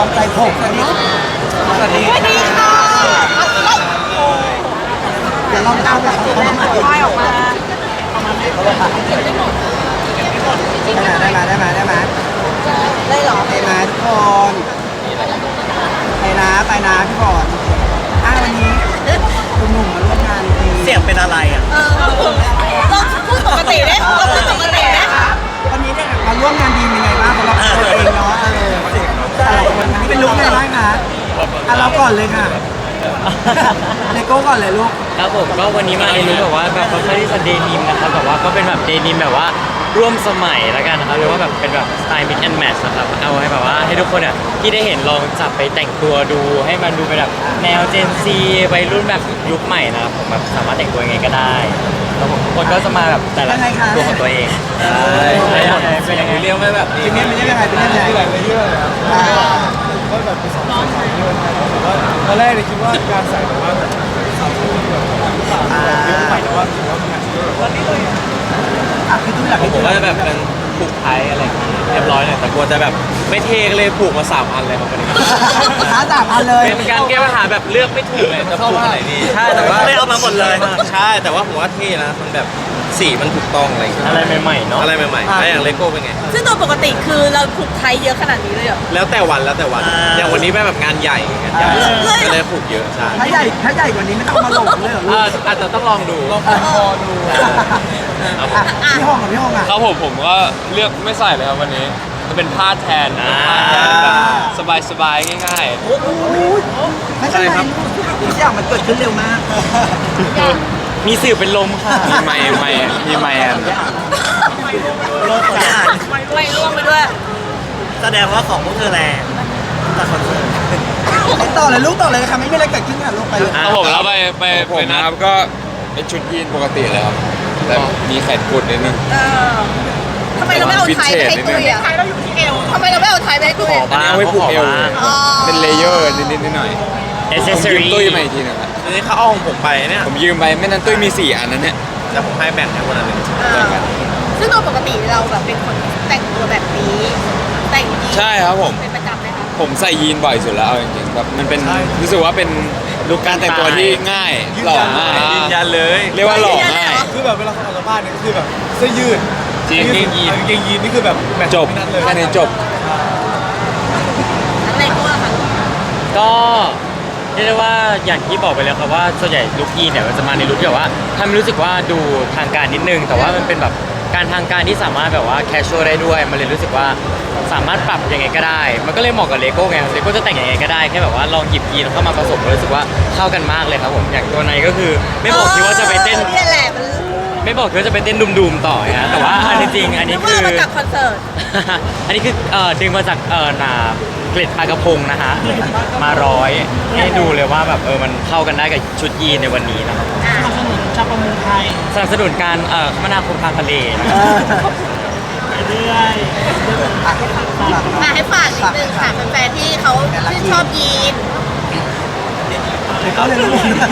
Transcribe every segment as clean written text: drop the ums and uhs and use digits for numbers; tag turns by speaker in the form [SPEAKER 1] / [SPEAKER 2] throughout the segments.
[SPEAKER 1] อบใจผมเนาะสวัสดีค่ะเดี๋ยวเราตามไปเขามาค่อยออกมาได้ไหมได้หรอไปนะทุกคนไปนะพี่บอลวันนี้คุณหนุ่มมาร่วมงานดีเสียงเป็นอะไรอ่ะ
[SPEAKER 2] ต้องพูดปกติได้ต้องพูดปกติได้
[SPEAKER 1] วันนี้เนี่ยมาร่วมงานดีเป็นไงบ้างสำหรับตัวเองเนาะแต่วันนี้เป็นลุคไงบ้างคะเราก่อนเลยค่ะเลโก้ก่อนเลยลูก
[SPEAKER 3] ครับผมก็วันนี้มาในลุคแบบว่าแบบค่อนข้างที่จะเดนิมนะครับแบบว่าก็เป็นแบบเดนิมแบบว่าร่วมสมัยแล้วกันนะครับหรือว่าแบบเป็นแบบสไตล์ mix and match นะครับเอาให้แบบว่าให้ทุกคนที่ได้เห็นลองจับไปแต่งตัวดูให้มันดูเป็นแบบแนว Gen Z วัยรุ่นแบบยุคใหม่นะครับผมแบบสามารถแต่งตัวยังไงก็ได้แล้วผมทุกคนก็จะมาแบบแต่ละตัวของตัวเองเป็นยังไงเรียกไม่แบบ
[SPEAKER 1] เป็นยังไงไปเรื่อย
[SPEAKER 4] ก็แบบไปสองสายด้วยนะครับแต่ว่าตอนแรกเนี่ยคิดว่าการใส่แบบว่าแบบสาวผู้แบบเยอะไปแต่ว่าถือว่ามันอาจจะเยอะแบบนี้เลย
[SPEAKER 1] คือทุกอย่าง
[SPEAKER 3] ผมก็จะแบบเป็นผูกไทยอะไรเรียบร้อยเลยแต่กลัวจะแบบไม่เทเลยผูกมา3 อันเลยครับวันนี้
[SPEAKER 1] 3 อันเลย
[SPEAKER 3] เป็นการแก้ปัญหาแบบเลือกไม่ถูกเลยจะผูกอะไรนี่ใช่แต่ว่า
[SPEAKER 5] ไม่เอามาหมดเลย
[SPEAKER 3] ใช่แต่ว่าผมว่าเท่นะมันแบบสีมันถูกต้องอะไรใหม่ๆเนาะอะไรใหม่ๆแล้วอย่างเลโก้เป็นไง
[SPEAKER 2] ซึ่งโดยปกติคือเราผูกไทยเยอะขนาดนี้เลยเหรอ
[SPEAKER 3] แล้วแต่วันอย่างวันนี้แบบงานใหญ่ก็เลยผูกเยอะใช่
[SPEAKER 1] ถ้าใหญ่กว่านี้ไม่ต้องมาหลงเลยเหรอ
[SPEAKER 3] อาจจะต้องลองดู
[SPEAKER 1] พี่ห้องอ่ะ
[SPEAKER 5] ครับผมก็เลือกไม่ใส่เลยครับวันนี้จะเป็นผ้าแทนแบบสบายๆง่าย
[SPEAKER 1] ๆไม่ใช่ครับทุกอย่างมันเกิดขึ้นเร็วมาก
[SPEAKER 3] มีสื่อเป็นลมค่ะ
[SPEAKER 5] มีไมค์
[SPEAKER 2] ไม่ร่วงไปด้วย
[SPEAKER 5] แสดงว่าของพวกเธอแรงแต่คอนเสิร์ต
[SPEAKER 1] ต่อเลยลูกต่อเลยค่ะไม่มีอะไรเกิดขึ้นค่ะลูกไปเลย
[SPEAKER 5] ผมแล้วไปนะครับก็เป็นชุดยีนปกติเลยครับแต่มีแขนกุดนิดนึง
[SPEAKER 2] ทำไมเราไม่เอาไทยไปให้ตุ้ยอ่ะไทยเราอยู่ที่เอวทำไมเราไม่เอาไทยไปให้ตุ้ย
[SPEAKER 5] อันนี้เอาไว้ผูกเอวเป็นเลเยอร์นิดหน่อยผมยืมตุ้ยมาอีกทีนึงครับ
[SPEAKER 3] นี่เขาเอาของผมไปเนี่ย
[SPEAKER 5] ผมยืมไปไม่นั้นตุ้ยมี4 อันนั้นเนี่ย
[SPEAKER 3] แล้วผมให้แบ่งให้คนละ1
[SPEAKER 2] ซึ่งโดยปกติเราแบบเป็นคนแต่งตัวแบบนี้แต่งยีน
[SPEAKER 5] ใช่ครับผม
[SPEAKER 2] เป็นประจำไหมคะ
[SPEAKER 5] ผมใส่ยีนบ่อยสุดแล้วเอาจริงๆแบบมันเป็นรู้สึกว่าเป็นลุคการแต่งตัวที่ง่ายหล่อง่าย
[SPEAKER 3] ยืนยันเลย
[SPEAKER 5] เรียกว่าหล่อง่าย
[SPEAKER 4] คือแบบเวลาเขาออกจากบ้านเนี่ยก็คือแบบเสื้อยืด
[SPEAKER 5] จริง
[SPEAKER 4] เกงยีนนี่คือแบบ
[SPEAKER 5] จบแค่นี้จบ
[SPEAKER 2] อะไรก็ว่าค่ะ
[SPEAKER 3] ก็เรียกได้ว่าอย่างที่บอกไปแล้วครับว่าส่วนใหญ่ลุคยีนเนี่ยมันจะมาในลุคที่แบบว่าทำให้รู้สึกว่าดูทางการนิดนึงแต่ว่ามันเป็นแบบการทางการที่สามารถแบบว่าแคชชวลได้ด้วยมันเลยรู้สึกว่าสามารถปรับยังไงก็ได้มันก็เลยเหมาะกับเลโก้ไงเลโก้จะแต่งยังไงก็ได้แค่แบบว่าลองหยิบยีนเข้ามาผสมรู้สึกว่าเข้ากันมากเลยครับผมอย่างตัวในก็คือไม่บอกที่ว่าจะไปเต้นไม่บอกที่ว่าจะไปเต้นดุมๆต่อนะแต่ว่าอันจริงอันนี้คือ
[SPEAKER 2] มาจากคอนเสิร์ต
[SPEAKER 3] อันนี้คือดึงมาจากเกล็ดปลากระพงนะฮะมาร้อยให้ดูเลยว่าแบบมันเข้ากันได้กับชุดยีนในวันนี้นะครับ
[SPEAKER 1] สนับสนุนชาวประมงไทย
[SPEAKER 3] สนับสนุนการคมนาคมทางทะเล
[SPEAKER 1] ไปเรื่อย
[SPEAKER 2] ให้ฝากนิดนึงค่ะแฟนๆที่เขาชื่นชอบยีน
[SPEAKER 1] เลโก้เลย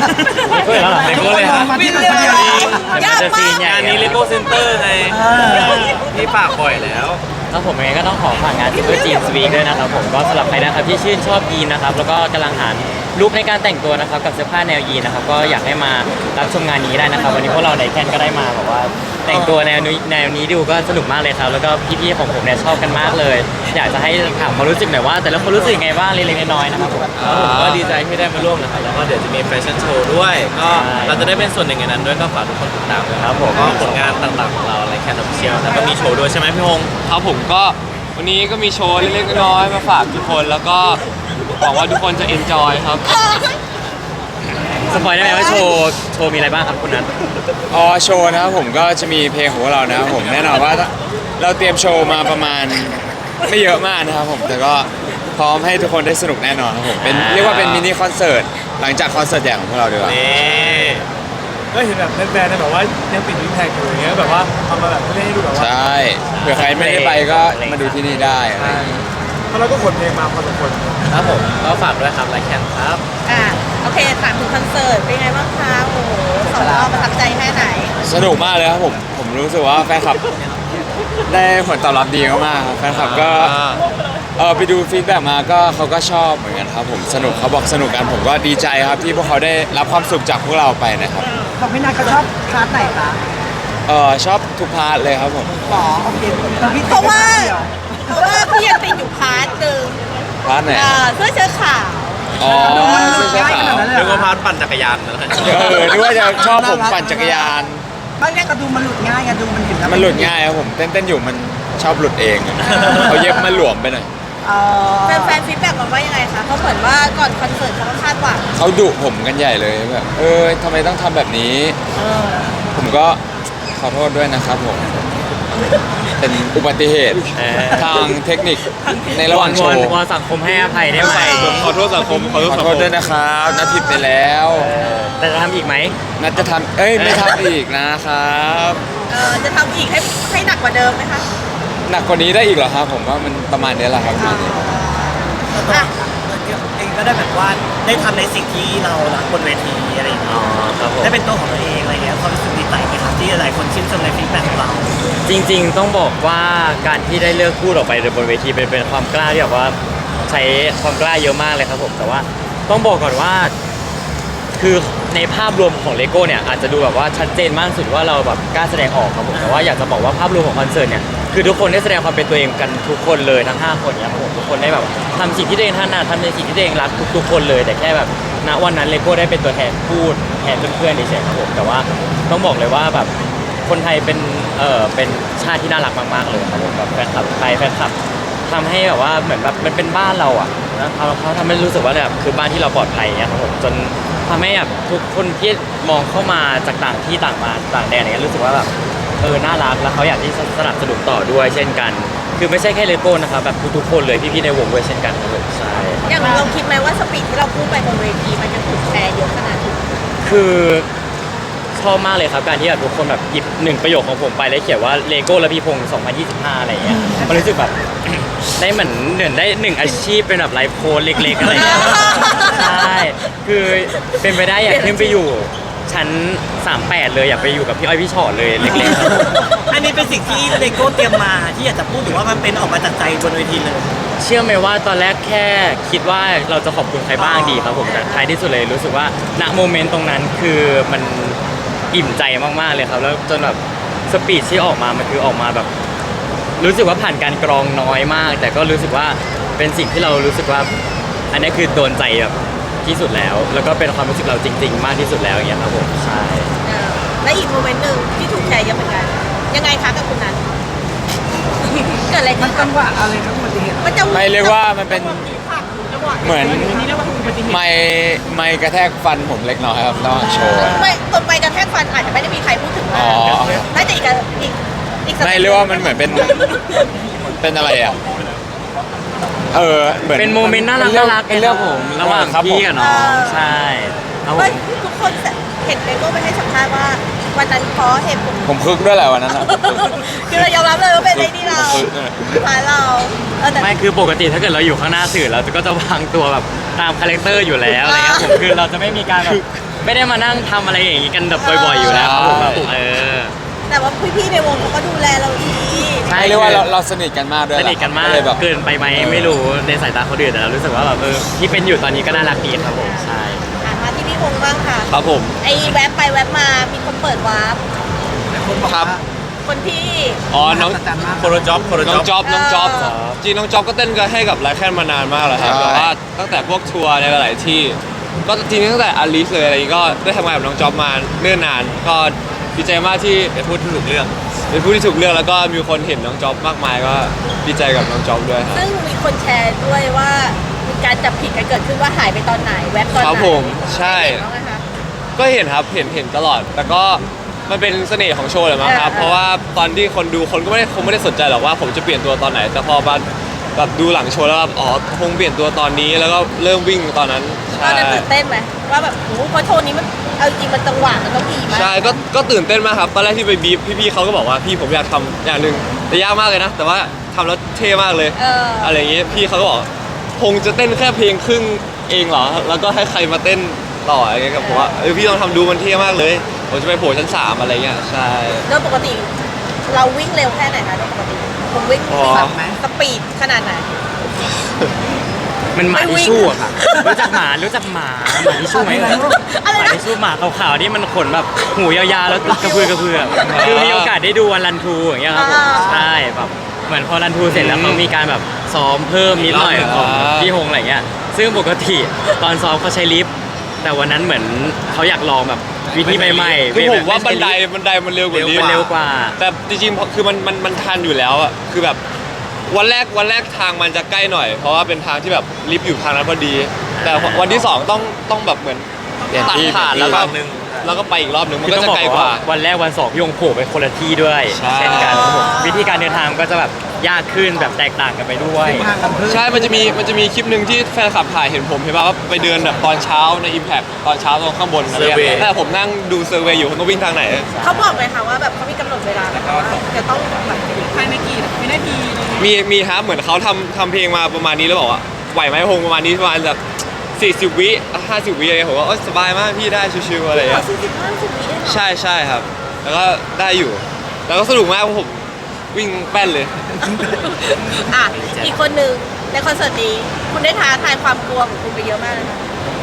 [SPEAKER 3] มาที่คนเดียวจะซีนงานนี้เลโก้เซ็นเตอร์ไงที่ฝากบ่อยแล้วแล้วผมเองก็ต้องขอฝากงานที่เพื่อจีนสวีกด้วยนะครับผมก็สำหรับใครนะครับที่ชื่นชอบยีนนะครับแล้วก็กำลังหาลุคในการแต่งตัวนะครับกับเสื้อผ้าแนวยีนนะครับก็อยากให้มารับชมงานนี้ได้นะครับวันนี้พวกเราในแคนก็ได้มาแบบว่าแต่งตัวแนวนี้ดูก็สนุกมากเลยครับแล้วก็พี่ๆของผมเนี่ยชอบกันมากเลยอยากจะให้ถามความรู้สึกหน่อยว่าแต่ละคนรู้สึกยังไงบ้างเล็กๆน้อยๆนะครับผม
[SPEAKER 5] ก็ดีใจที่ได้มาร่วมนะครับแล้วก็เดี๋ยวจะมีแฟชั่นโชว์ด้วยก็เราจะได้เป็นส่วนหนึ่งในนั้นด้วยก็ฝากทุกคนติดตามด้วยครับผมก็ผลงานต่างๆของเราในแคนออฟฟิเชียลแล้วก็มีโชว์ด้วยใช่ไหมพี่ฮง
[SPEAKER 4] ครับผมก็วันนี้ก็มีโชว์เล็กๆน้อยๆมาฝากทุกคนแล้วก็หวังว่าทุกคนจะเอนจอยครับ
[SPEAKER 3] สปอยได้ไหมว่าโชว์มีอะไรบ้างครับคุณนัท
[SPEAKER 5] โชว์นะครับผมก็จะมีเพลงของเรานะครับผมแน่นอนว่าเราเตรียมโชว์มาประมาณไม่เยอะมากนะครับผมแต่ก็พร้อมให้ทุกคนได้สนุกแน่นอนครับผมเป็นเรียกว่าเป็นมินิคอนเสิร์ตหลังจากคอนเสิร์ตใหญ่ของพวกเราดีกว่า
[SPEAKER 4] ก็เห็นแบบแฟนๆแบบว่ายังปิดวิกแท็กอยู่อย่างเงี้ยแบบว่าเอามาแบบเล่นให้ดูแบบว่า
[SPEAKER 5] ใช่เผื่อใครไม่ได้ไปก็มาดูที่นี่ได้
[SPEAKER 4] เพราะเราก็ขนเพลงมาพอสมควร
[SPEAKER 3] ครับผมก็ฝากด้วยครับไลค์แคนครับ
[SPEAKER 2] โอเคถามถึงคอนเสิร์ตเป็นไงบ้างคะโอ้โห2 รอบประทับใจแค่ไหน
[SPEAKER 5] สนุกมากเลยครับผมรู้สึกว่าแฟนคลับได้ผลตอบรับดีมากๆแฟนคลับก็ไปดูฟีดแบ็กมาก็เขาก็ชอบเหมือนกันครับผมสนุกเขาบอกสนุกกันผมก็ดีใจครับที่พวกเขาได้รับความสุขจากพวกเราไปนะครับ
[SPEAKER 1] บอกพี่นัทเขาชอบพาร์ทไหนคะ
[SPEAKER 5] ชอบทุกพาร์ทเลยครับผม
[SPEAKER 1] หรอโอเคแต่พี่
[SPEAKER 2] เพราะว่าพี่ยังติดอยู่พาร์ทหนึ่ง
[SPEAKER 5] พาร์ทไหน
[SPEAKER 2] เสื้อเชิ้ตขาว
[SPEAKER 5] อ๋อเสื้อขาว
[SPEAKER 3] นึกว่าพาร์ทปั่นจักรยานนะ
[SPEAKER 5] นึกว่าจะชอบผมปั่นจักรยาน
[SPEAKER 1] บางแรกก็ดูมันหลุดง่ายไงดูมันเห็นแล้ว
[SPEAKER 5] มันหลุดง่ายครับผมเต้นอยู่มันชอบหลุดเองเขาเย็บมันหลวมไปหน่อย
[SPEAKER 2] แฟนฟีดแบ็กมาว่ายังไงคะเขาเหมือนว่าก่อนคอนเสิร์ตเขาก็คาดหวัง
[SPEAKER 5] เขาดุผมกันใหญ่เลยแบบทำไมต้องทำแบบนี้ ผมก็ขอโทษด้วยนะครับผม เป็นอุบัติเหตุทางเทคนิคในระหว่างโชว์
[SPEAKER 3] วอนสังคมให้อภัยได้ไหม
[SPEAKER 5] ขอโทษสังคมขอโทษด้วยนะครับนัดผิดไปแล้ว
[SPEAKER 3] แต่จะทำอีกไหม
[SPEAKER 5] นัดจะทำไม่ทำอีกนะครับ
[SPEAKER 2] จะทำอีกให้หนักกว่าเดิมไหมคะ
[SPEAKER 5] หนักกว่านี้ได้อีกเหรอครับผมว่ามันประมาณนี้แหละครับ
[SPEAKER 2] อ่ะ
[SPEAKER 1] เองก็ได้แบบว่าได้ทำในสิ่งที่เรารักบนเวทีอะไรอย่างเงี้ย
[SPEAKER 3] อ๋อครับผม
[SPEAKER 1] ได้เป็นตัวของตัวเองอะไรเงี้ยความรู้สึกดีใจไหมครับที่หลายคนชื่นชมในฟีดแบ็กของเรา
[SPEAKER 3] จริงๆต้องบอกว่าการที่ได้เลือกพูดออกไปบนเวทีเป็นความกล้าที่แบบว่าใช้ความกล้าเยอะมากเลยครับผมแต่ว่าต้องบอกก่อนว่า คือในภาพรวมของเลโก้เนี่ยอาจจะดูแบบว่าชัดเจนมากสุดว่าเราแบบกล้าแสดงออกครับผมแต่ว่าอยากจะบอกว่าภาพรวมของคอนเสิร์ตเนี่ยคือทุกคนได้แสดงความเป็นตัวเองกันทุกคนเลยทั้ง5คนเนี่ยครับผมทุกคนได้แบบทำสิ่งที่ตัวเองถนัดทำในสิ่งที่ตัวเองรักทุกๆคนเลยแต่แค่แบบณวันนั้นเลโก้ได้เป็นตัวแทนพูดแทนเพื่อนๆเฉยๆครับผมแต่ว่าต้องบอกเลยว่าแบบคนไทยเป็นชาติที่น่ารักมากๆเลยครับผมแบบแฟนคลับไทยแฟนคลับทำให้แบบว่าเหมือนแบบมันเป็นบ้านเราอ่ะนะเขาทำให้รู้สึกว่าแบบคือบ้านที่เราปลอดภัยเนี่ยครับผมจนทำให้แบบทุกคนที่มองเข้ามาจากต่างที่ต่างมาต่างแดนอะไรเงี้ยรู้สึกว่าแบบน่ารักแล้วเขาอยากที่สนับสนุนต่อด้วยเช่นกัน คือไม่ใช่แค่เลโก้นะครับแบบทุกๆคนเลยพี่ๆในวงด้วยเช่นกันครับผมใช่
[SPEAKER 2] อย่างเราคิดไหมว่าสปีดที่เราพูดไปบนเวทีมันจะถูกแชร์เยอะขนาดนี้
[SPEAKER 3] คือชอบมากเลยครับการที่แบบทุกคนแบบหยิบ1 ประโยคของผมไปแล้วเขียนว่าเลโก้และพี่พงศ์2025อะไรเงี้ยมันรู้สึกแบบ ได้เหมือนได้1 อาชีพเป็นแบบไลฟ์โค้ดเล็กๆอะไรเงี้ยใช่คือเป็นไปได้อยากขึ้นไปอยู่ชั้น38เลยอยากไปอยู่กับพี่อ้อยพี่ชอตเลยเล็กๆครับ
[SPEAKER 1] อันนี้เป็นสิ่งที่เลโก้เตรียมมาที่อยากจะพูดหรือว่ามันเป็นออกมาจากใจบนเวทีเลย
[SPEAKER 3] เชื่อไหมว่าตอนแรกแค่คิดว่าเราจะขอบคุณใครบ้างดีครับผมแต่ท้ายที่สุดเลยรู้สึกว่าณโมเมนต์ตรงนั้นคือมันอิ่มใจมากๆเลยครับแล้วจนแบบสปีดที่ออกมามันคือออกมาแบบ รู้สึกว่าผ่านการกรองน้อยมาก แต่ก็รู้สึกว่าเป็นสิ่งที่เรารู้สึกว่า อันนี้คือโดนใจแบบที่สุดแล้ว แล้วก็เป็นความรู้สึกเราจริง ๆ มากที่สุดแล้วอย่างเงี้ยครับผมใช่
[SPEAKER 2] และอีกโมเมนต์หนึ่งที่ถูกแชร์เยอะเหมือนกันยังไงคะกับคุณนัทเกิดอะไร
[SPEAKER 1] มั
[SPEAKER 2] ขึ้
[SPEAKER 1] น
[SPEAKER 2] น
[SPEAKER 1] จังหวะอะไรครับอุบัติเหตุ
[SPEAKER 2] มันจะ
[SPEAKER 5] ไม่เรียกว่ามันเป็นเหมือนไม่กระแทกฟันผมเล็กน้อยครับระหว่างโชว์
[SPEAKER 2] ไม่ตนไปกระแทกฟันอาจจะไม่ได้มีใครพูดถึง
[SPEAKER 5] อ๋อ
[SPEAKER 2] น่าจะอีก
[SPEAKER 5] ไม่เรียกว่ามันเหมือนเป็นอะไรอ่ะเหมือน
[SPEAKER 3] เป็นโมเมนต์น่ารักน่ารัก
[SPEAKER 5] เป็นเรื่องผม
[SPEAKER 3] ระหว่าง
[SPEAKER 5] ครับ
[SPEAKER 3] พี่กับน้องใช่ครับผ
[SPEAKER 2] เฮ้ย
[SPEAKER 3] ม
[SPEAKER 2] ทุกคนเห็นเลโก้ไปให้สัมภาษณ์ว่าวันนั้นเพราะเหตุผล
[SPEAKER 5] ผมคึกด้วยแหละวันนั้นอะ
[SPEAKER 2] คือเรายอมรับเลยว่าเป็นไอ้นี่เรา
[SPEAKER 5] ผมคึกด้วย
[SPEAKER 2] พาเราแต่
[SPEAKER 3] ไม่คือปกติถ้าเกิดเราอยู่ข้างหน้าสื่อเราก็จะวางตัวแบบตามคาแรคเตอร์อยู่แล้วอะไรเงี้ยผมคือเราจะไม่มีการแบบไม่ได้มานั่งทำอะไรอย่างงี้กันแบบบ่อยๆอยู่แล้วครับผมแบบ
[SPEAKER 2] แต่ว่าพี่ๆในวงเขาก็ดูแลเราดี
[SPEAKER 3] ใช่
[SPEAKER 5] เรียกว่าเราสนิทกันมากด้วย
[SPEAKER 3] สนิทกันมาก
[SPEAKER 5] เลยแบบ
[SPEAKER 3] เกินไปไหมไม่รู้ในสายตาคนอื่นแต่เรารู้สึกว่าแบบที่เป็นอยู่ตอนนี้ก็น่ารักดีครับผมใช่
[SPEAKER 2] มาที่พี่วงบ้างค่ะ
[SPEAKER 5] ครับผม
[SPEAKER 2] ไอ้แวบไปแวบมามีคนเปิดวาร์ป
[SPEAKER 5] ครับ
[SPEAKER 2] คนที่
[SPEAKER 6] อ๋อ น้องโคโรจ็อบน้องจ๊อบ
[SPEAKER 2] เออ
[SPEAKER 6] จริงน้องจ๊อบก็เต้นกันให้กับไลฟ์แคนมานานมากแล้วครับ
[SPEAKER 5] ใช่
[SPEAKER 6] แต่ว่าตั้งแต่พวกทัวร์ในหลายๆที่ ก็จริงๆตั้งแต่อลิสเลยอะไรอย่างงี้ก็ได้ทำงานกับน้องจ๊อบมาเนิ่นนาน ก็ดีใจมากที่เป็นผู้ที่ถูกเลือกเป็นผู้ที่ถูกเลือกแล้วก็มีคนเห็นน้องจ๊อบมากมายก็ดีใจกับน้องจ๊อบด้วยครับ
[SPEAKER 2] ซึ่งมีคนแชร์ด้วยว่ามีการจับผิดกันเกิดขึ้นว่าหายไปตอนไหนแวบตอนไหน
[SPEAKER 6] ครับผมใช่
[SPEAKER 2] เห็นบ้างไหมคะ
[SPEAKER 6] ก็เห็นครับเห็นตลอด แต่ก็มันเป็นเสน่ห์ของโชว์เลยมั้งครับ
[SPEAKER 2] เออ
[SPEAKER 6] เพราะว่าตอนที่คนดูคนก็คงไม่ได้สนใจหรอกว่าผมจะเปลี่ยนตัวตอนไหน แต่พอมาแบบดูหลังโชว์แล้วแบบอ๋อคงเปลี่ยนตัวตอนนี้แล้วก็เริ่มวิ่งตอนนั้น
[SPEAKER 2] ตอ
[SPEAKER 6] ใช่
[SPEAKER 2] นนั้นตื่นเต้นไหมว่าแบบโอ้โหเพราะโชว์นี้มันเอาจริงมันจังหวะมันต้องดีมาก
[SPEAKER 6] ใช่ก็ตื่นเต้นมากครับตอนแรกที่ไปบีฟพี่ๆเขาก็บอกว่าพี่ผมอยากทำอย่างหนึ่งแต่ยากมากเลยนะ แต่ว่าทำแล้วเท่มากเลย อะไรอย่างเงี้ยพี่เขาก็บอกคงจะเต้นแค่เพลงครึ่งเองเหรอแล้วก็ให้ใครมาเต้นต่ออะไรเงี้ยกับผมว่าพี่ต้องทำดูมันเท่มากเลยผมจะไปโผล่ชั้น 3อะไรเงี้ยใช่
[SPEAKER 2] โดยปกติเราวิ่งเร็วแค่ไหนคะโดยปกติผมวิ่ง
[SPEAKER 6] อ๋อ
[SPEAKER 2] สปีดขนาดไหน
[SPEAKER 6] ค
[SPEAKER 3] มันหมาทิชชู่อะค่ะรู้จักหมาหมาทิชชู่ไหมห
[SPEAKER 2] อะไร
[SPEAKER 3] มา
[SPEAKER 2] นะ
[SPEAKER 3] ทิชชู่หมาขาวๆที่มันขนแบบหูยาวๆแล้วกระพือกระพือคือมีโอกาสได้ดูวันรันทูอย่างเงี้ยครับผมใช่แบบเหมือนพอรันทูเสร็จแล้วเขามีการแบบซ้อมเพิ่มนิดหน่อยของพี่ฮงอะไรเงี้ยซึ่งปกติตอนซ้อมเขาใช้ลิฟต์แต่วันนั้นเหมือนเขาอยากลองแบบวิธีใหม่ๆ
[SPEAKER 6] คือผมว่า
[SPEAKER 3] แบบ
[SPEAKER 6] บันไดมันเร็วกว่านี้
[SPEAKER 3] มันเร็วกว่า
[SPEAKER 6] แต่จริงๆคือมันทันอยู่แล้วอ่ะคือแบบวันแรกทางมันจะใกล้หน่อย เพราะว่าเป็นทางที่แบบลิฟต์อยู่ทางนั้นพอดี แต่วันที่สองต้องแบบเหมือน
[SPEAKER 5] เปลี่ยน
[SPEAKER 6] ตัด
[SPEAKER 5] ที่
[SPEAKER 6] ผ่าน
[SPEAKER 5] เปลี่
[SPEAKER 6] แล้
[SPEAKER 5] ยน
[SPEAKER 6] ว
[SPEAKER 5] ที่
[SPEAKER 6] ก็แล้วก็ไปอีกรอบหนึ่งมัน
[SPEAKER 3] คือ
[SPEAKER 6] ก็
[SPEAKER 3] ต้อง
[SPEAKER 6] จะ
[SPEAKER 3] บอก
[SPEAKER 6] ไกลก
[SPEAKER 3] ว่า
[SPEAKER 6] ว่า
[SPEAKER 3] วันแรกวันสองพี่ฮงโผล่ไปคนละที่ด้วย
[SPEAKER 6] ใช่
[SPEAKER 3] เช่นกันครับผมวิธีการเดินทางก็จะแบบยากขึ้นแบบแตกต่างกันไปด้วย
[SPEAKER 1] ทางกันเพื่อ
[SPEAKER 6] ใช่ มันจะมีคลิปหนึ่งที่แฟนคลับถ่ายเห็นผมเห็นป่ะว่าไปเดินแบบตอนเช้าใน Impact ตอนเช้าตรงข้างบนอะไรอย่างเงี้ยแต่ผมนั่งดูเซอร์เวย์อยู่ผมต้องวิ่งทางไหน
[SPEAKER 2] เขาบอกเลยค่ะว่าแบบเขามีกำหนดเวลานะคะว่าจะต้องแบบภายในกี่วินาที
[SPEAKER 6] มีครับเหมือนเขาทำเพลงมาประมาณนี้แล้วบอกว่าไหวไหมพงประมาณนี้ประมาณแบบ40 วิ50 วิอะไรเงี้ยผมว่าสบายมากพี่ได้ชิวๆอะไรอย่าง
[SPEAKER 2] ขอ
[SPEAKER 6] เงี้ย
[SPEAKER 2] 40-50 วิเองเหรอ
[SPEAKER 6] ใช่ครับ แล้วก็ได้อยู่ แล้วก็สนุกมากเพราะผมวิ่งแป้นเลย
[SPEAKER 2] อ่ะอีกคนหนึ่งในคอนเสิร์ตนี้คุณได้ท้าทายความกลัวของคุณไปเยอะมากเลยนะ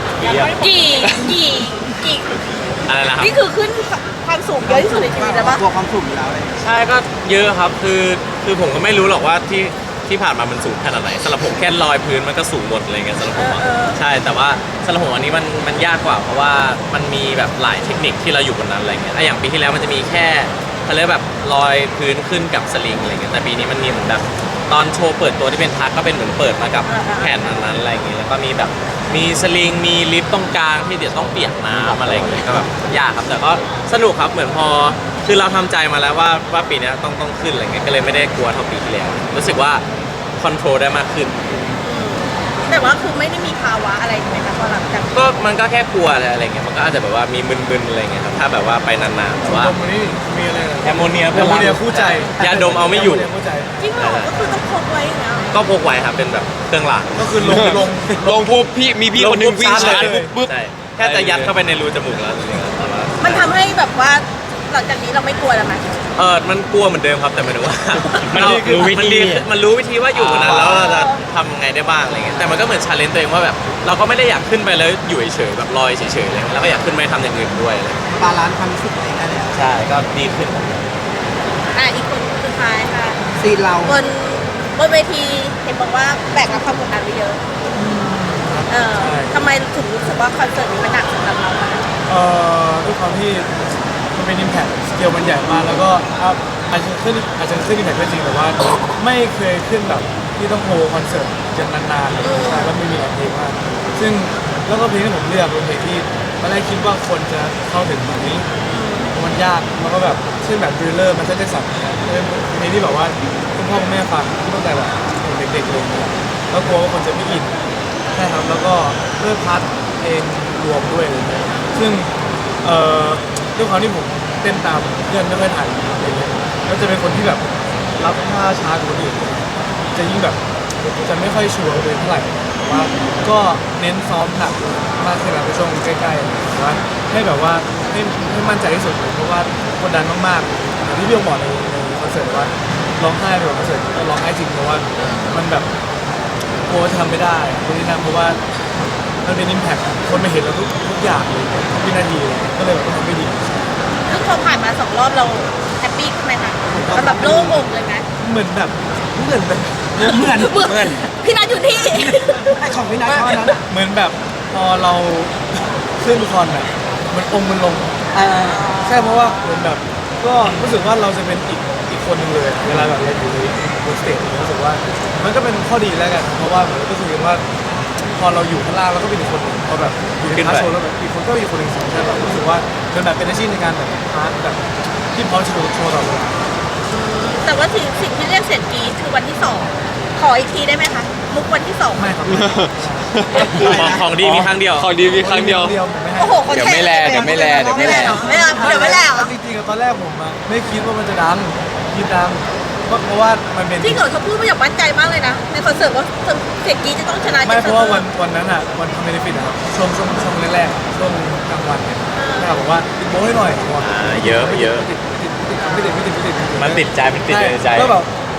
[SPEAKER 2] กี่
[SPEAKER 3] อะไรนะครับ
[SPEAKER 2] นี่คือขึ้นความสูงเยอะที่สุดในชีวิตแล้วปะ
[SPEAKER 1] กลัวความสูงอยู่แล้วเลย
[SPEAKER 3] ใช่ก็เยอะครับคือผมก็ไม่รู้หรอกว่าที่ผ่านมามันสูงขนาดไหนสำหรับผมแค่ลอยพื้นมันก็สูงหมดอะไรเงี้ยสำหรับผมอะใช่แต่ว่าสำหรับผมอันนี้มันยากกว่าเพราะว่ามันมีแบบหลายเทคนิคที่เราอยู่บนนั้นอะไรเงี้ยอย่างปีที่แล้วมันจะมีแค่เขาเรียกแบบลอยพื้นขึ้นกับสลิงอะไรเงี้ยแต่ปีนี้มันมีเหมือนแบบตอนโชว์เปิดตัวที่เป็นทักก็เป็นเหมือนเปิดมากับแผ่นนั้นอะไรเงี้ยแล้วก็มีแบบมีสลิงมีลิฟต์ตรงกลางที่เดี๋ยวต้องเปียกน้ำอะไรเงี้ยก็แบบยากครับแต่ก็สนุกครับเหมือนพอคือเราทำใจมาแล้วว่าปีนี้ต้องขึ้นอะไรเงี้ยก็เลยไม่ได้กลัวเท่าปีที่แล้วรู้สึกว่าคอนโทรลได้มากขึ้น
[SPEAKER 2] แต่ว่าคือไม่ได้มีภาวะอะไรใช่ไหมคะพอหลังจาก
[SPEAKER 3] ก็มันก็แค่กลัวอะไรเงี้ยมันก็อาจจะแบบว่ามีมึนๆอะไรเงี้ยครับถ้าแบบว่าไปนานๆแต่ว่า
[SPEAKER 4] ตรงนี้มีอะไรนะ
[SPEAKER 3] แอมโมเนีย
[SPEAKER 4] แอมโมเนียคู่ใจ
[SPEAKER 3] ยาดมเอาไม่อยู่
[SPEAKER 4] แมโมเนีคู่ใจ
[SPEAKER 2] จริงเหรอก็คือต้องพกไว้อย่างเงี้ย
[SPEAKER 3] ก็พกไว้ครับเป็นแบบเครื่องราง
[SPEAKER 4] ก็คือลง
[SPEAKER 6] ลงปุ๊บพี่คนหนึงวิ่งชาร์จ
[SPEAKER 3] เลย
[SPEAKER 6] ปุ๊บ
[SPEAKER 3] ใช่แค่จะยัดเข้าไปในรูจมูกแล้วอะไรเงี้ยแต่ว่า
[SPEAKER 2] มันทำให้แบบว่าหลังจากนี้เราไม่กลัวแล้วไหม
[SPEAKER 3] มันกลัวเหมือนเดิมครับแต่หมายถึงว่า
[SPEAKER 4] มัน
[SPEAKER 3] เรา
[SPEAKER 4] รู้วิธี
[SPEAKER 3] มันรู้วิธีว่าอยู่บนนั้นแล้วเราจะทำไงได้บ้างอะไรเงี้ยแต่มันก็เหมือนชาเลนจ์ตัวเองว่าแบบเราก็ไม่ได้อยากขึ้นไปแล้วอยู่เฉยๆแบบลอยเฉยๆอะไรเงี้ยแล้วก็อยากขึ้นไปทำอย่างอื่นด้วยอะไรเงี้ย
[SPEAKER 1] บาลานซ์ความรู้สึกตัวเองได้แล้ว
[SPEAKER 3] ใช่ก็ดีขึ้น
[SPEAKER 2] อีกคนสุดท้ายค่ะ
[SPEAKER 1] ซีนเรา
[SPEAKER 2] บนเวทีเห็นบอกว่าแบกรับความกดดันไปเยอะทำไมถึงรู้สึกว่าคอนเสิร์ตนี้มันหนักสำหรับเราอะ
[SPEAKER 4] ด้วยความที่มันเป็น impact สเกลมันใหญ่มากแล้วก็อาจจะขึ้นimpact ก็จริงแต่ว่าไม่เคยขึ้นแบบที่ต้องโฮคอนเสิร์ตจนนานๆเลยใช่แล้วไม่มีหลายเพลงมากซึ่งแล้วก็เพลงที่ผมเลือกเป็นเพลงที่ตอนแรกคิดว่าคนจะเข้าถึงแบบนี้มันยากแล้วก็แบบเช่นแบบดริลเลอร์มันจะได้สับเป็นเพลงที่แบบว่าคุณพ่อคุณแม่ฟังตั้งแต่แบบเด็กๆเลยแล้วกลัวว่าคนจะไม่อินใช่ครับแล้วก็เลือกพาร์ทเพลงรวมด้วยอะไรเงี้ยซึ่งด้วยความที่ผมเต้นตามเพื่อนไม่ค่อยทันอะไรเงี้ยแล้วจะเป็นคนที่แบบรับท่าช้ากว่าคนอื่นจะยิ่งแบบจะไม่ค่อยชัวร์เลยเท่าไหร่แต่ว่าก็เน้นซ้อมหนักมากขึ้นในช่วงใกล้ๆแต่ว่าให้แบบว่าให้มั่นใจที่สุดเลยเพราะว่ากดดันมากๆอย่างที่พี่โอบอกในคอนเสิร์ตว่าร้องไห้ไปกับคอนเสิร์ตก็ร้องไห้จริงเพราะว่ามันแบบกลัวทำไม่ได้คนที่นั่นเพราะว่ามันเป็นอิมแพคคนมาเห็นเราทุกอย่างเลยทุกวินาทีเลยก็เลยแบบต้องทำให้ดี
[SPEAKER 2] ซึ่งพอผ่านมา2 รอบเราแฮปปี้ขึ้นไหมคะมันแบบโล่งอกเลยไหม
[SPEAKER 4] เหมือนแบบ
[SPEAKER 1] เหมือน
[SPEAKER 2] พี่นัทอยู่ที่
[SPEAKER 1] ไอของพี่นัทเท่านั้นอะ
[SPEAKER 4] เหมือนแบบพอเราขึ้นคอนอ่ะมันองค์มันลงใช่เพราะว่าเหมือนแบบก็รู้สึกว่าเราจะเป็นอีกคนหนึงเลยเวลาแบบเราอยู่ในบนสเตจรู้สึกว่ามันก็เป็นข้อดีแล้วกันเพราะว่าเหมือนก็คือว่าพอเราอยู่ข้างล่างเราก็เป็นอีกคนหนึ่งพอแบบอยู่ในพาร์ทโชว์แล้วแบบอีกคนก็เป็นอีกคนหนึ่งใช่แบบรู้สึกว่าเป็นแบบเป็นอาชีพในการแบบพาร์ทแบบที่พร้อมจะโชว์ต่อเวลา
[SPEAKER 2] แต่ว่าสิ่งที่เรียกเสียงกรี๊ดคือวันที่ 2 ขออีกทีได้ไหมคะมุกวันที่ 2
[SPEAKER 4] ไม่ครับ
[SPEAKER 3] ของดีมีครั้งเดียว
[SPEAKER 6] ของดีมีครั้งเดียว
[SPEAKER 4] ไม่ให้
[SPEAKER 2] โอ้โหคน
[SPEAKER 5] เดี๋ยวไม่แลเดี๋ยวไม่แลเดี๋ยวไม่แล
[SPEAKER 2] ไม่รับเดี๋ยวไม่แล้ว
[SPEAKER 4] จริงๆอะตอนแรกผมอะไม่คิดว่ามันจะดังคิดดังเพราะว่ามันเป็น
[SPEAKER 2] ที่เกิดเขาพูดมาอย่างมั่นใจมากเลยนะในคอนเสิร์ตว่าเสียงกรี๊ดจะต้องชนะ
[SPEAKER 4] ไม่เพราะว่าวันนั้นอะวันทำเบนฟิตอะครับช่วงแรกๆช่วงกลางวันเนี่ยแม่บอกว่าติดโม้ให้หน่อยผมบอก
[SPEAKER 3] เยอะ
[SPEAKER 4] ไม่ติด
[SPEAKER 3] มันติดใจในใจ
[SPEAKER 4] ก็แบบ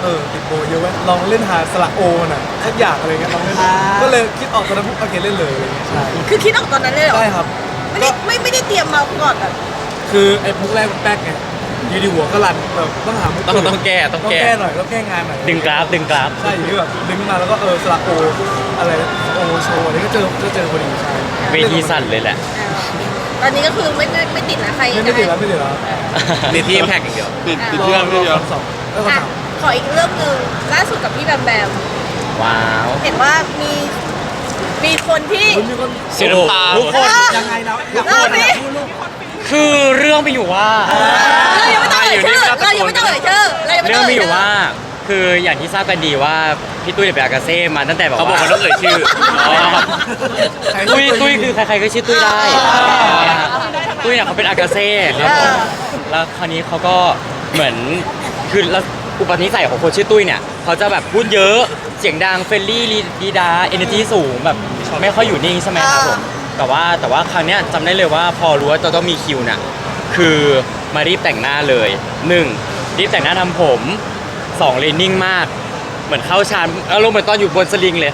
[SPEAKER 4] ติดโบเยอะไว้ลองเล่นหาสระโอน่ะสักอย่างอะไรเงี้ยลองเล่นก็เลยคิดออกตอนนั้นปุ๊บโอเคเล่นเลยอะไรเงี้ยใช่
[SPEAKER 2] คือคิดออกตอนนั้นเลยเหรอ
[SPEAKER 4] ใช่ครับ
[SPEAKER 2] ไม่ได้เตรียมมาก่อนแบบ
[SPEAKER 4] คือไอ้มุกแรกมันแป๊กไงอยูดีหัวก็รันแบบต้องหามุก
[SPEAKER 6] ต้องแก้
[SPEAKER 4] ต้องแก้หน่อยต้องแก้งานหน่อย
[SPEAKER 3] ดึงกราฟ
[SPEAKER 4] ใช่อยู่ที่แบบดึงขึ้นมาแล้วก็สระโออะไรโอโชว์อะไรก็เจอพอดีใช่
[SPEAKER 3] เวทีสั่นเลยแหละ
[SPEAKER 2] ตอนนี้ก็คือไม่ติดนะใคร
[SPEAKER 4] ไม่ติดแล้วไม่ติดแล้ว
[SPEAKER 6] ติดที่แพ็กอย่างเดียวติด
[SPEAKER 4] ร
[SPEAKER 6] เพื่อนไม่เดียว
[SPEAKER 4] สองแล้วก็
[SPEAKER 2] อ่ะ
[SPEAKER 4] สาม
[SPEAKER 2] ขออีกเรื่องหนึ่งล่าสุดกับพี่แบมแบม
[SPEAKER 3] ว้าว
[SPEAKER 2] เห็นว่ามีคนที่
[SPEAKER 4] มีคน
[SPEAKER 6] เสียน้ำตา
[SPEAKER 3] ทุกคน
[SPEAKER 1] ยังไงแล้ว
[SPEAKER 2] เล่าสิ
[SPEAKER 3] คือเรื่องมีอยู่ว่า
[SPEAKER 2] เรายังไม่ต้องเอ่ยชื่อเรายังไม่ต้องเอ่ยชื่อเรายังไม่
[SPEAKER 3] เรื่
[SPEAKER 2] ต้
[SPEAKER 3] อ
[SPEAKER 2] อง ง
[SPEAKER 3] มี
[SPEAKER 2] เอ่ย
[SPEAKER 3] อยู่
[SPEAKER 2] ชื่อ
[SPEAKER 3] ว่า คืออย่างที่ทราบกันดีว่าพี่ตุ้ยเป็นอากาเซ่มาตั้งแต่แบบ
[SPEAKER 6] เขาบอก
[SPEAKER 3] ว่า
[SPEAKER 6] ว่าต้องเอ่ยชื่ออ๋อ
[SPEAKER 3] ตุ้ยคือใครๆก็ชื่อตุ้ยได้ตุ้ยเนี่ยเขาเป็นอากาเซ่ครับผมแล้วคราวนี้เขาก็เหมือนคือแล้วอุปนิสัยของคนชื่อตุ้ยเนี่ยเขาจะแบบพูดเยอะเสียงดังเฟรนลี่ดีดาเอเนอร์จีสูงแบบไม่ค่อยอยู่นิ่งใช่ไหมครับผมแต่ว่าครั้งเนี้ยจำได้เลยว่าพอรู้ว่าจะต้องมีคิวน่ะคือมารีบแต่งหน้าเลย1รีบแต่งหน้าทำผม2เลยนิ่งมากเหมือนเข้าฌานอารมณ์เหมือนตอนอยู่บนสลิงเลย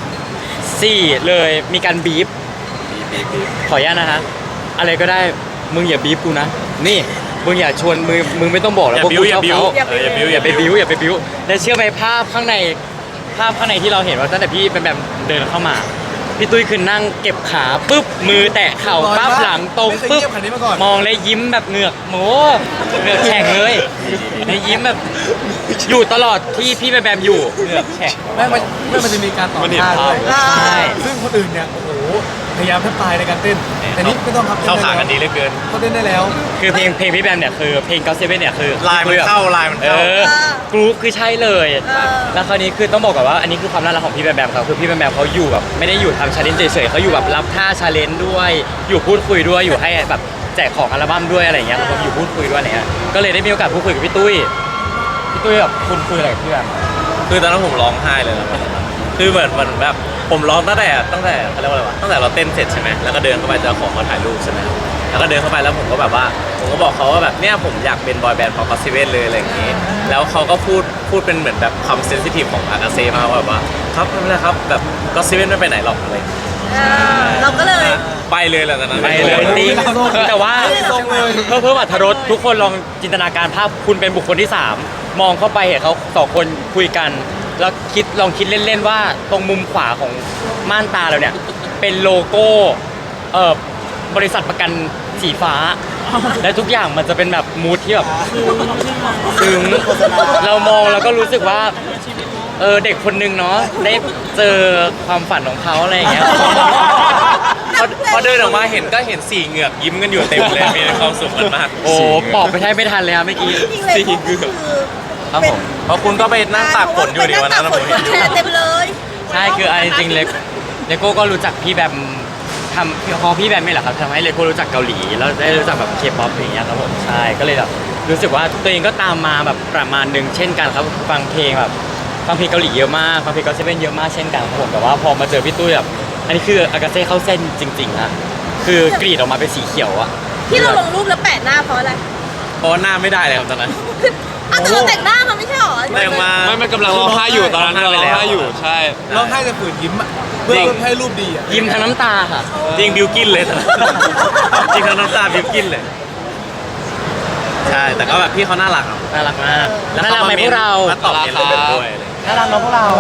[SPEAKER 3] 4เลยมีการบีบขออนุญาตนะฮะอะไรก็ได้มึงอย่าบีบกูนะนี่มึงอย่าชวนมึงไม่ต้องบอกแล้ว
[SPEAKER 6] อย่า
[SPEAKER 3] พวก
[SPEAKER 6] บิ้ว
[SPEAKER 3] กู
[SPEAKER 6] อย่า
[SPEAKER 3] ชอบ
[SPEAKER 6] บิ้ว
[SPEAKER 3] เขา
[SPEAKER 6] อย่าบิ้ว
[SPEAKER 3] อย่าไปบิ้วและเชื่อไหมภาพข้างในที่เราเห็นว่าตั้งแต่พี่เป็นแบบเดินเข้ามาพี่ตุ้ยคือนั่งเก็บขาปุ๊บมือแตะเข่าปั๊บหลังตรง
[SPEAKER 4] ไม่เคย
[SPEAKER 3] ปุ๊บ
[SPEAKER 4] เงียบขนาดนี้มาก่อน
[SPEAKER 3] มองเลยยิ้มแบบเหงือกโหเหงือกแฉ่งเลยแล้วยิ้มแบบอยู่ตลอดที่พี่แบมอยู่เหงือกแฉ่ง
[SPEAKER 4] มันจะมีการต่อ
[SPEAKER 6] มันเห็น
[SPEAKER 4] ท่า
[SPEAKER 6] ภา
[SPEAKER 4] ด้
[SPEAKER 6] พ
[SPEAKER 4] วย
[SPEAKER 3] ใช่
[SPEAKER 4] ซึ่งคนอื่นเนี่ยโอ้โหพยายามแทบตายในการเต้นแต่นี่ไม่ต้องครับ
[SPEAKER 6] เข้าขากันดีเหลือเกิน
[SPEAKER 4] เขาเต้นได้แล้ว
[SPEAKER 3] คือเพลงพี่แบมเนี่ยคือเพลงก็เซเว่นเนี่ยคือ
[SPEAKER 6] ลายมันเข้าลายมันเข้า
[SPEAKER 3] กรุ๊ปคือใช่เลย แล้วคราวนี้คือต้องบอกก่อนว่าอันนี้คือความน่ารักของพี่แบมแบมครับคือพี่แบมแบมเขาอยู่แบบไม่ได้อยู่ทำชาเลนจ์เฉยๆเขาอยู่แบบรับท่าชาเลนจ์ด้วยอยู่พูดคุยด้วยอยู่ให้แบบแจกของอัลบั้มด้วยอะไรอย่างเงี้ยผมอยู่พูดคุยด้วยอะไรเงี้ยก็เลยได้มีโอกาสพูดคุยกับพี่ตุ้ยแบบคุณคุยอะไรกับพี่แบม
[SPEAKER 6] คือตอนนั้นผมร้องไห้เลยนะคือเหมือนแบบผมร้องตั้งแต่เขาเรียกว่าอะไรวะตั้งแต่เราเต้นเสร็จใช่ไหมแล้วก็เดินเข้าไปจะขอเขาถ่ายรูปใช่ไหมแล้วก็เดินเข้าไปแล้วผมก็แบบว่าผมก็บอกเขาว่าแบบเนี่ยผมอยากเป็นบอยแบนด์ของก็อตเซเว่นเลยอะไรอย่างงี้ แล้วเขาก็พูดเป็นเหมือนแบบความเซนซิทีฟของอากาเซ่มากว่าแบบว่าครับไม่เป็นไรครับแบบก็อตเซเว่นไม่ไปไหนหรอกอะไร
[SPEAKER 2] เราก็เลย
[SPEAKER 6] ไปเลยแหละตอนนั้น
[SPEAKER 3] ไปเลยติ๊งแต่ว่าเพิ่มอรรถรสทุกคนลองจินตนาการภาพคุณเป็นบุคคลที่ 3 มองเข้าไปเห็นเขาสองคนคุยกัน แล้วลองคิดเล่นๆว่าตรงมุมขวาของม่านตาเราเนี่ยเป็นโลโก้บริษัทประกันสีฟ้า และทุกอย่างมันจะเป็นแบบมูทที่แบบซึ้งเรามองแล้วก็รู้สึกว่าเด็กคนนึงเนาะได้เจอความฝันของเขาอะไรอย่างเงี้ย
[SPEAKER 6] พอเดินออกมาเห็นก็เห็น4เหงือกยิ้มกันอยู่เต็มเลยมีความสุขกันมาก
[SPEAKER 3] โอ้ปอบไปแทบไม่ทันเลยครับเมื่อกี้
[SPEAKER 2] จริงๆเลยก็คือ
[SPEAKER 6] ครับผมเพราะคุณก็ไปนั่งตากฝนอยู่ดีวันนั้นนะผมเห็นอยู่
[SPEAKER 2] แชร์เต็มเลย
[SPEAKER 3] ใช่คือจริงๆเลโก้ก็รู้จักพี่แบมทำพอพี่แบมไม่แหละครับทำให้เลโก้รู้จักเกาหลีแล้วได้รู้จักแบบเคป๊อปอย่างเงี้ยครับผมใช่ก็เลยแบบรู้สึกว่าตัวเองก็ตามมาแบบประมาณนึงเช่นกันครับฟังเพลงเกาหลีเยอะมากฟังเพลงก็เซเว่นเยอะมากเช่นกันครับผมแต่ว่าพอมาเจอพี่ตุ้ยแบบอันนี้คืออากาเซ่เข้าเส้นจริงๆนะคือกรีดออกมาเป็นสีเขียวอะ
[SPEAKER 2] ที่เราลงรูปแล้วแปะหน้าเพราะอะไร
[SPEAKER 6] เพราะว่าหน้าไม่ได้เลยครับตอนนั้น
[SPEAKER 2] แต่เราแต่งหน้ามาไม่ใช่หรอ
[SPEAKER 6] แต่งมา
[SPEAKER 7] ไม่กำลังร้องไห้อยู่ตอนนั้นกำลังร้องไห้อยู่ใช่
[SPEAKER 4] ร้องไห้จะฝืนยิ้มอ่ะเพื่อให้รูปดีอ่ะ
[SPEAKER 3] ยิ้มทั้งน้ำตาค่ะ
[SPEAKER 6] จริงบิวกินเลยตอนนั้นจริงทั้งน้ำตาบิวกินเลยใช่แต่ก็แบบพี่เขาน่ารัก
[SPEAKER 3] น่ารักมากน่ารักไหมพวกเรา
[SPEAKER 6] มาตอบเย็นเลยด้วย
[SPEAKER 3] น่ารักเนาะพวกเรา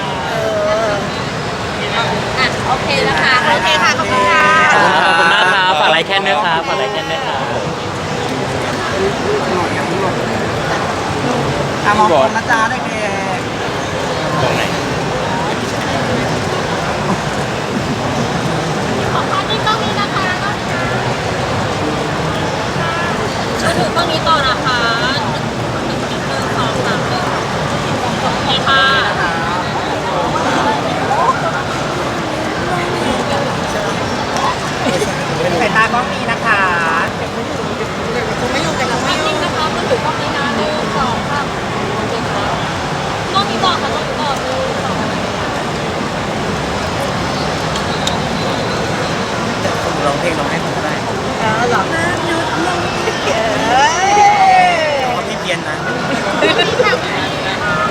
[SPEAKER 2] อ่ะโอเคนะคะโอเคค่ะขอบคุณค่ะ
[SPEAKER 3] ขอบคุณมากครับฝากไลค์แคนด้วยครับฝากไลค์แคนด้วยครับ
[SPEAKER 1] มองคนนะจ๊ะเด็ก
[SPEAKER 3] ตรงไหน
[SPEAKER 2] ขอพักที่กล้องนี้นะคะช่วยถือกล้องนี้ต่อนะคะ1 2 3 1โอเคค่ะ
[SPEAKER 1] สายตากล้องนี้นะคะไม่อยู่กันแล้วไม่อยู่
[SPEAKER 2] นะคะมือถือกล้องนี้นะ1 2 3โอเคค่ะกล้องนี้ต่อค่ะกล้องนี้ต่อ1 2
[SPEAKER 1] ร้องเพลงร้องให้ผมก็ได้
[SPEAKER 2] หรอ
[SPEAKER 1] เพราะพี่เพียนนะ
[SPEAKER 2] ที่ทำ